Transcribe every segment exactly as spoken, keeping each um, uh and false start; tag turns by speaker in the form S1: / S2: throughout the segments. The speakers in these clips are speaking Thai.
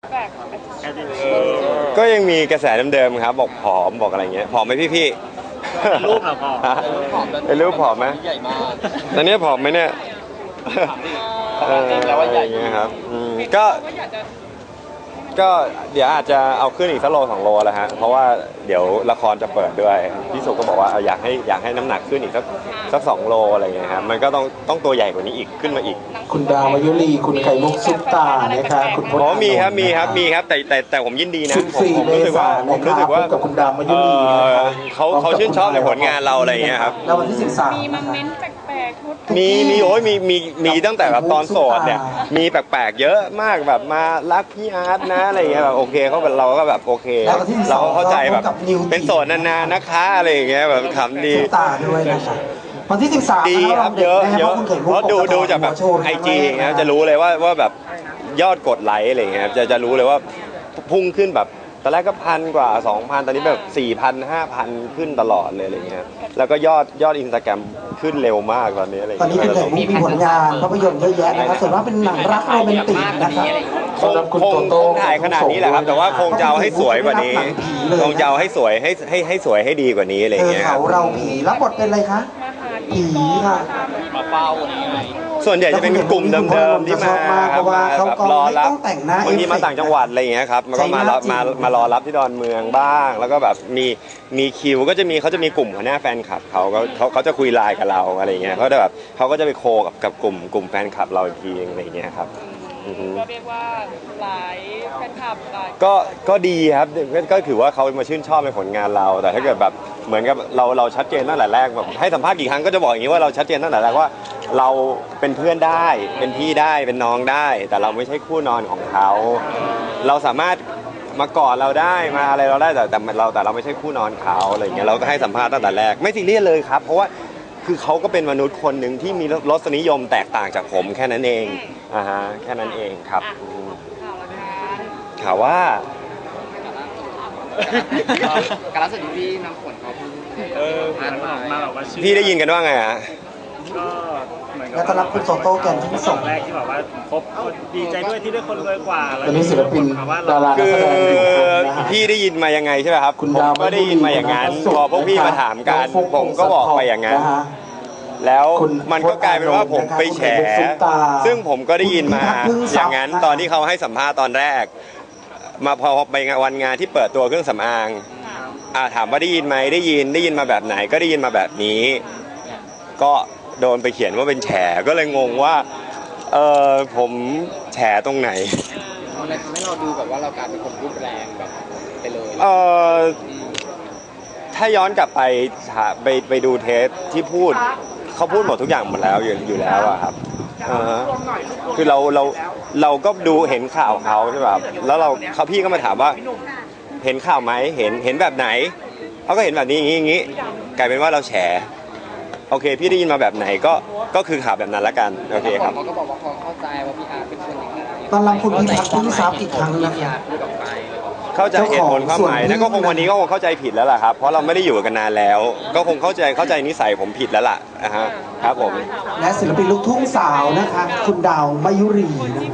S1: แปลก
S2: ก็ยังมีกระแสเดิมๆครับบอกผอมบอกอะไรเงี้ยผอมไหมพี่ๆ
S3: รูปเหรอพ่อ
S2: เป็นรูปผอมไหม
S3: ใหญ่มาก
S2: ตอนนี้ผอมไหมเนี่ย
S3: เออแล้วว่าใหญ่
S2: ครับก็ก็เดี๋ยวอาจจะเอาขึ้นอีกสักโลสองโลแล้วฮะเพราะว่าเดี๋ยวละครจะเปิดด้วยพี่สุก็บอกว่าอยากให้อยากให้น้ำหนักขึ้นอีกสักสักสองโลอะไรเงี้ยครับมันก็ต้องต้องตัวใหญ่กว่านี้อีกขึ้นมาอีก
S4: คุณดาวมายุรีคุณไข่มุกซุปตานะคะคุณพจน์
S2: อ๋อมีครับมีครับมีครับแต่แต่แต่ผมยินดีนะผมรู้สึกว่าผมรู้สึกว่า
S4: กับคุณดาวมายุรี
S2: เขาเขาชื่นชอบในผลงานเราอะไรเงี้ยครับ
S4: แล้ววันที่สิบสาม
S1: มีมาเม้นแปลกๆ
S2: มีมีโอ้ยมีมีมีตั้งแต่แบบตอนโสดเนี่ยมีแปลกๆเยอะมากแบบมารักพี่อาร์ตนะอะไรเงี้ยแบบโอเคเขาเป็นเราก็แบบโอเคเราเข้าใจแบบเป็นโสดนานๆนะคะอะไรอย่างเงี้ยแบบขำดี
S4: ตาด้วยนะคะวันที่สิบสาม
S2: ดีครับเยอะเยอะเพราะดูดูจากแบบไอจีอย่างเงี้ยจะรู้เลยว่าว่าแบบยอดกดไลค์อะไรเงี้ยจะจะรู้เลยว่าพุ่งขึ้นแบบตอนแรกก็พันกว่าสองพันตอนนี้แบบสี่พันห้าพันขึ้นตลอดเลยอะไรเงี้ยแล้วก็ยอดยอดอินสตาแกรมขึ้นเร็วมากตอนนี้อะไร
S4: ตอนนี้เป็นแบบมีผลงานภาพยนตร์เยอะแยะนะครับส่วนมากเป็นหนังรักโรแมนติกนะครับ
S2: คงคงคงถ่ายขนาดนี้แหละครับแต่ว่าคงจะเอาให้สวยกว่านี้คงจะเอาให้สวยให้ให้ให้สวยให้ดีกว่านี้อะไรเงี้ย
S4: เขาเราผีรับบทเป็นอะไรคะผีค่ะ
S3: มาเฝ้านี่ไง
S2: ส่วนใหญ่จะเป็นกลุ่มเดิมๆที่มาครับมาแบบรอรับบางทีมาต่างจังหวัดอะไรอย่างเงี้ยครับมันก็มามามารอรับที่ดอนเมืองบ้างแล้วก็แบบมีมีคิวก็จะมีเขาจะมีกลุ่มหัวหน้าแฟนคลับเขาเขาเขาจะคุยไลน์กับเราอะไรเงี้ยเขาจะแบบเขาก็จะไปโคกับกับกลุ่มกลุ่มแฟนคลับเราอีกทีอะไรเงี้ยครับ
S1: ก็เรียกว่าหลายแฟนคลับหลาย
S2: ก็ก็ดีครับก็ถือว่าเขามาชื่นชอบในผลงานเราแต่ถ้าเกิดแบบเหมือนกับเราเราชัดเจนตั้งแต่แรกแบบให้สัมภาษณ์กี่ครั้งก็จะบอกอย่างนี้ว่าเราชัดเจนตั้งแต่แรกว่าเราเป็นเพื่อนได้เป็นพี่ได้เป็นน้องได้ แต่เราไม่ใช่คู่นอนของเขาเราสามารถมากอดเราได้มาอะไรเราได้แต่แต่เราแต่เราไม่ใช่คู่นอนเขาอะไรอย่างเงี้ยเราก็ให้สัมภาษณ์ตั้งแต่แรกไม่ซีเรียสเลยครับเพราะว่าคือเขาก็เป็นมนุษย์คนหนึ่งที่มีรสนิยมแตกต่างจากผมแค่นั้นเองอ่าฮะแค่นั้นเองครับข่าวว่า
S3: การรักษาที่พี่น้ำฝนเขา
S5: เออมามาแบบว่า
S2: พี่ได้ยินกันว่าไงฮะ
S5: ก็เหมือนกับ
S4: แล้วก็รับคุณโตโต้แกนที่ส่ง
S5: แรกที่บอกว่าครบดีใจด้วยที่ได้คนรวยกว่าแล้ว
S4: ตอนนี้ศิลปินดารา
S2: คือพี่ได้ยินมายังไงใช่ไหมครับผมก็ได้ยินมาอย่างนั้นพอพวกพี่มาถามกันผมก็บอกไปอย่างนั้นแล้วมันก็กลายเป็นว่าผมไปแฉซึ่งผมก็ได้ยินมาอย่างนั้นตอนที่เขาให้สัมภาษณ์ตอนแรกมาพอไปงานวันงานที่เปิดตัวเครื่องสำอางอ่าถามว่าได้ยินไหมได้ยินได้ยินมาแบบไหนก็ได้ยินมาแบบนี้ก็โดนไปเขียนว่าเป็นแฉก็เลยงงว่าเออผมแฉตรงไหน
S3: อะไรทำให้เราดูแบบว่าเรากลายเป็นคนพูดแรงแบบไปเลย
S2: เออถ้าย้อนกลับไปไปไปดูเทปที่พูดเขาพูดหมดทุกอย่างหมดแล้วอยู่อยู่แล้วอะครับคือเราเราเราก็ดูเห็นข่าวเขาใช่ป่ะแล้วเราเขาพี่ก็มาถามว่าเห็นข่าวไหมเห็นเห็นแบบไหนเขาก็เห็นแบบนี้อย่างนี้อย่างนี้กลายเป็นว่าเราแฉโอเคพี่ได้ยินมาแบบไหนก็ก็คือข่าวแบบนั้นละกันโอเคครับ
S3: เขาก็บอกว่าเขาเข้าใจว่าพี่อาร์เป็นคนอย่างไร
S4: ตอนรับคุณพิพัฒน์ที่ทราบอีกครั้งนะคะ
S2: เข้าใจเหตุผลความหมายนะก็คงวันนี้ก็คงเข้าใจผิดแล้วล่ะครับเพราะเราไม่ได้อยู่กันนานแล้วก็คงเข้าใจเข้าใจนิสัยผมผิดแล้วล่ะนะฮะครับผม
S4: และศิลปินลูกทุ่งสาวนะคะคุณดาวมายุรี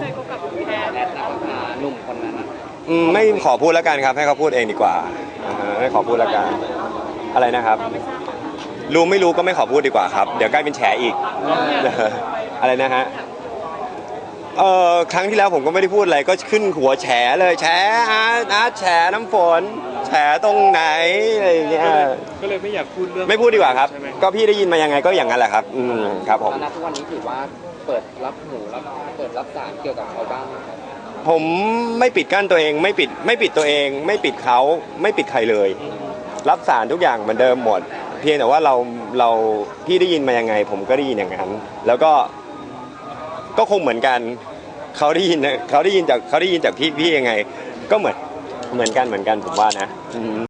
S3: หนุ่มคนนั้น
S2: อืมไม่ขอพูดแล้วกันครับให้เขาพูดเองดีกว่าไม่ขอพูดแล้วกันอะไรนะครับรู้ไม่รู้ก็ไม่ขอพูดดีกว่าครับเดี๋ยวใกล้เป็นแฉอีกอะไรนะฮะเออครั้งที่แล้วผมก็ไม่ได้พูดอะไรก็ขึ้นหัวแฉเลยแฉอาร์ตอาร์ตแฉน้ำฝนแฉตรงไหนอะไรอย่างเงี้ย
S5: ก็เลยไม่อยากพูดเรื่อง
S2: ไม่พูดดีกว่าครับก็พี่ได้ยินมายังไงก็อย่างนั้นแหละครับอืมครับผม
S3: ณทุกวันนี้ถือว่าเปิดรับหูรับเปิดรับสารเกี่ยวกับเขาบ้าง
S2: ผมไม่ปิดกั้นตัวเองไม่ปิดไม่ปิดตัวเองไม่ปิดเขาไม่ปิดใครเลยรับสารทุกอย่างเหมือนเดิมหมดเพียงแต่ว่าเราเราพี่ได้ยินมายังไงผมก็ได้ยินอย่างนั้นแล้วก็ก็คงเหมือนกันเขาได้ยินเขาได้ยินจากเขาได้ยินจากพี่พี่ยังไงก็เหมือนเหมือนกันเหมือนกันผมว่านะ